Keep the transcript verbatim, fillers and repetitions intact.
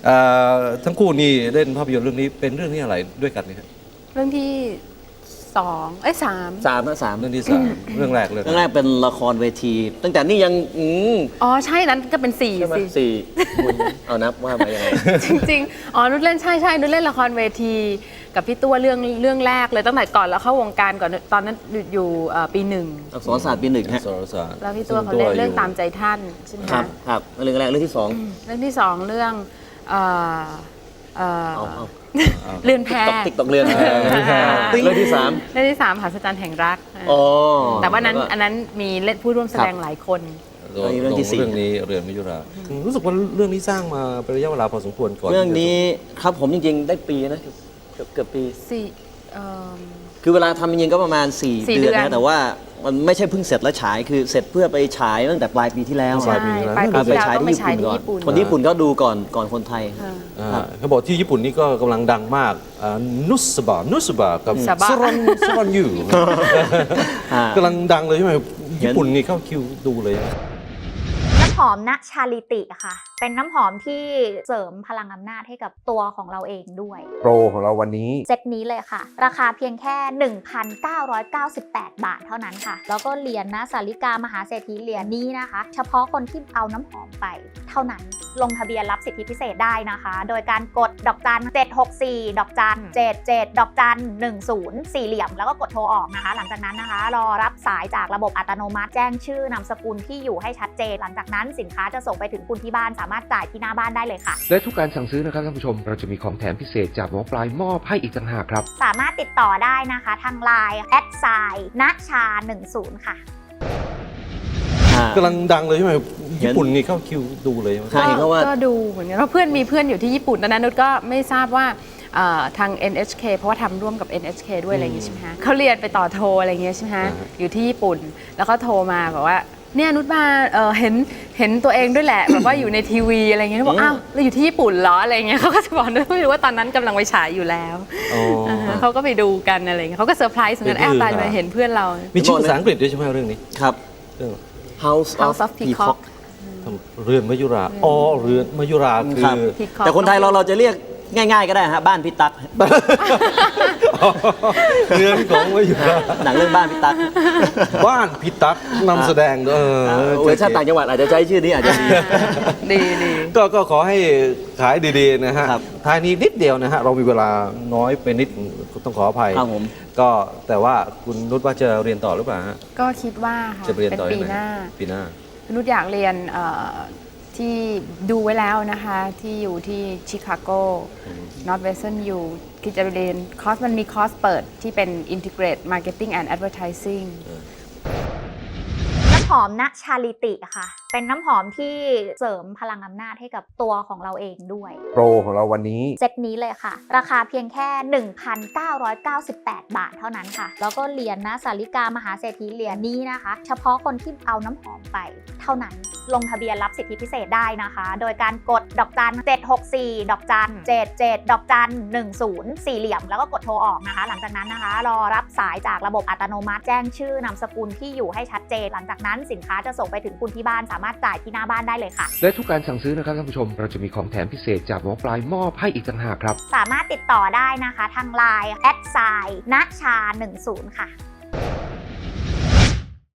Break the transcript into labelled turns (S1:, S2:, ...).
S1: ทั้งคู่นี่เล่นภาพยนตร์เรื่องนี้เป็นเรื่องนี้อะไรด้วยกันนี่ครับ
S2: เรื่องที่สองเอ้ยสาม
S3: สามนะสาม
S1: เรื่องที่สามเรื่องแรกเลย
S3: เรื่องแรกเป็นละครเวที ตั้งแต่นี่ยังอืม
S2: อ๋อใช่นั้นก็เป็นสี่สิ
S3: สี่คุณเอานับว่าไปยังไง
S2: จริงๆอ๋อนุชเล่นใช่ใช่นุชเล่นละครเวทีกับพี่ตัวเรื่องเรื่องแรกเลยตั้งแต่ก่อนแล้วเข้าวงการก่อนตอนนั้นอยู่ปีหนึ่ง
S3: อักษรศาสตร์ปีหนึ่งฮะ
S1: อักษรศาสตร์
S2: แล้วพี่ตัวเขาเล่นเรื่องตามใจท่านใช่ไหม
S3: ครับครับเรื่องแรกเรื่องที่สอง
S2: เรื่องที่สองเรื่องเรือนแพ
S3: ติ๊กตอกเรือนเรื่องที่สาม
S2: เรื่องที่สามหัศจรรย์แห่งรักแต่ว่านั้นอันนั้นมีเล่นผู้ร่วมแสดงหลายคน
S1: เรื่องที่สี่เรื่องนี้เรือนมยุรารู้สึกว่าเรื่องนี้สร้างมาเป็นระยะเวลาพอสมควรก่อน
S3: เรื่องนี้ครับผมจริงๆได้ปีนะเกือบเกือบปี
S2: สี่
S3: คือเวลาทำจริงๆก็ประมาณสี่เดือนนะแต่ว่ามันไม่ใช่เพิ่งเสร็จแล้วฉายคือเสร็จเพื่อไปฉายตั้งแต่ปลายปีที่แล้ว
S2: ปลายปีที่แล้ว
S3: ไปฉายที่ญี่ปุ่นก่อนคนญี่ปุ่นก็ดูก่อนก่อนคนไทย
S1: เขาบอกที่ญี่ปุ่นนี่ก็กำลังดังมากนุสบะนุสบะกับซรอนซรอนยูกำลังดังเลยใช่ไหมญี่ปุ่นนี่เข้าคิวดูเลย
S4: น้ำหอมณชาลิติค่ะเป็นน้ำหอมที่เสริมพลังอำนาจให้กับตัวของเราเองด้วย
S1: โปรของเราวันนี้
S4: เซตนี้เลยค่ะราคาเพียงแค่ หนึ่งพันเก้าร้อยเก้าสิบแปด บาทเท่านั้นค่ะแล้วก็เหรียญนะสาริกามหาเศรษฐีเหรียญนี้นะคะเฉพาะคนที่เอาน้ำหอมไปเท่านั้นลงทะเบียนรับสิทธิพิเศษได้นะคะโดยการกดดอกจันเจ็ดหกสี่ดอกจันเจ็ดเจ็ดดอกจันหนึ่งศูนย์สี่เหลี่ยมแล้วก็กดโทรออกนะคะหลังจากนั้นนะคะรอรับสายจากระบบอัตโนมัติแจ้งชื่อนามสกุลที่อยู่ให้ชัดเจนหลังจากนั้นสินค้าจะส่งไปถึงคุณที่บ้านสามารถจ่ายที่หน้าบ้านได้เลยค่ะ
S5: และทุกการสั่งซื้อนะครับท่านผู้ชมเราจะมีของแถมพิเศษจากหมอปลายมอบให้อีกต่างหากครับ
S4: สามารถติดต่อได้นะคะทางไลน์แอดไซน์ณชาหนึ่งศูนย์ค่ะ
S1: กำลังดังเลยใช่ไหมญี่ปุ่นนี่เข้าคิวดูเลย
S2: ใช่ก็ว่าก็ดูเหมือนกันเพราะเพื่อนมีเพื่อนอยู่ที่ญี่ปุ่นตอนนั้นนุชก็ไม่ทราบว่าทาง เอ็น เอช เค เพราะว่าทำร่วมกับ เอ็น เอช เค ด้วยอะไรอย่างงี้ใช่ไหมฮะเขาเรียนไปต่อโทอะไรอย่างเงี้ยใช่ไหมฮะอยู่ที่ญี่ปุ่นแล้วก็โทรมาบอกว่าเนี่ยนุชมาเห็นเห็นตัวเองด้วยแหละแบบว่าอยู่ในทีวีอะไรเงี้ยบอกอ้าวเราอยู่ที่ญี่ปุ่นเหรออะไรเงี้ยเขาก็จะบอกนุชไม่รู้ว่าตอนนั้นกำลังไปฉายอยู่แล้วเขาก็ไปดูกันอะไรเงี้ยเขาก็เซอร์ไพรส์เหมือนกันแอบตายมาเห็นเพื่อนเรา
S1: มีชื่อภาษาอังกฤษด้วยใช่ไหมเรื่องนี้
S3: ครับเรื่อง House of Peacock
S1: เรือนมยุราอ๋อเรือนมยุราคือ
S3: แต่คนไทยเราเราจะเรียกง่ายๆก็ได้ฮะบ้านพี่ตั๊ก
S1: เรือนของมยุรา
S3: หนังเรื่องบ้านพี่ตั๊ก
S1: บ้านพี่ตั๊กนำแสดงเออ
S3: เวอร์ชันต่างจังหวัดอาจจะใช้ชื่อนี้อาจจะดี
S2: ดีดี
S1: ก็ก็ขอให้ขายดีๆนะฮะท้ายนี้นิดเดียวนะฮะเรามีเวลาน้อยไปนิดต้องขออภัย
S3: ครับผม
S1: ก็แต่ว่าคุณนุชว่าจะเรียนต่อหรือเปล่าฮะ
S2: ก็คิดว่าค่ะ
S1: จะเรียนต่อ
S2: ปีหน้า
S1: ปีหน้า
S2: นุชอยากเรียนที่ดูไว้แล้วนะคะที่อยู่ที่ชิคาโก Northwestern อยู่คิดจะเรียนคอร์สมันมีคอร์สเปิดที่เป็น Integrate Marketing and Advertising
S4: น้ำหอมณชาลิติค่ะเป็นน้ำหอมที่เสริมพลังอำนาจให้กับตัวของเราเองด้วย
S1: โปรของเราวันนี้
S4: เซตนี้เลยค่ะราคาเพียงแค่ หนึ่งพันเก้าร้อยเก้าสิบแปด บาทเท่านั้นค่ะแล้วก็เหรียญนะสาริกามหาเศรษฐีเหรียญนี้นะคะเฉพาะคนที่เอาน้ำหอมไปเท่านั้นลงทะเบียนรับสิทธิพิเศษได้นะคะโดยการกดดอกจันเจ็ดหกสี่ดอกจันเจ็ดเจ็ดดอกจันหนึ่งศูนย์สี่เหลี่ยมแล้วก็กดโทรออกนะคะหลังจากนั้นนะคะรอรับสายจากระบบอัตโนมัติแจ้งชื่อนามสกุลที่อยู่ให้ชัดเจนหลังจากนั้นสินค้าจะส่งไปถึงคุณที่บ้านสามารถจ่ายที่หน้าบ้านได้เลยค่ะ
S5: และทุกการสั่งซื้อนะครับท่านผู้ชมเราจะมีของแถมพิเศษจากหมอปลายมอบให้อีกต่างหากครับ
S4: สามารถติดต่อได้นะคะทางไลน์แอดไซน์ณชาหนึ่งศูนย์ค่ะ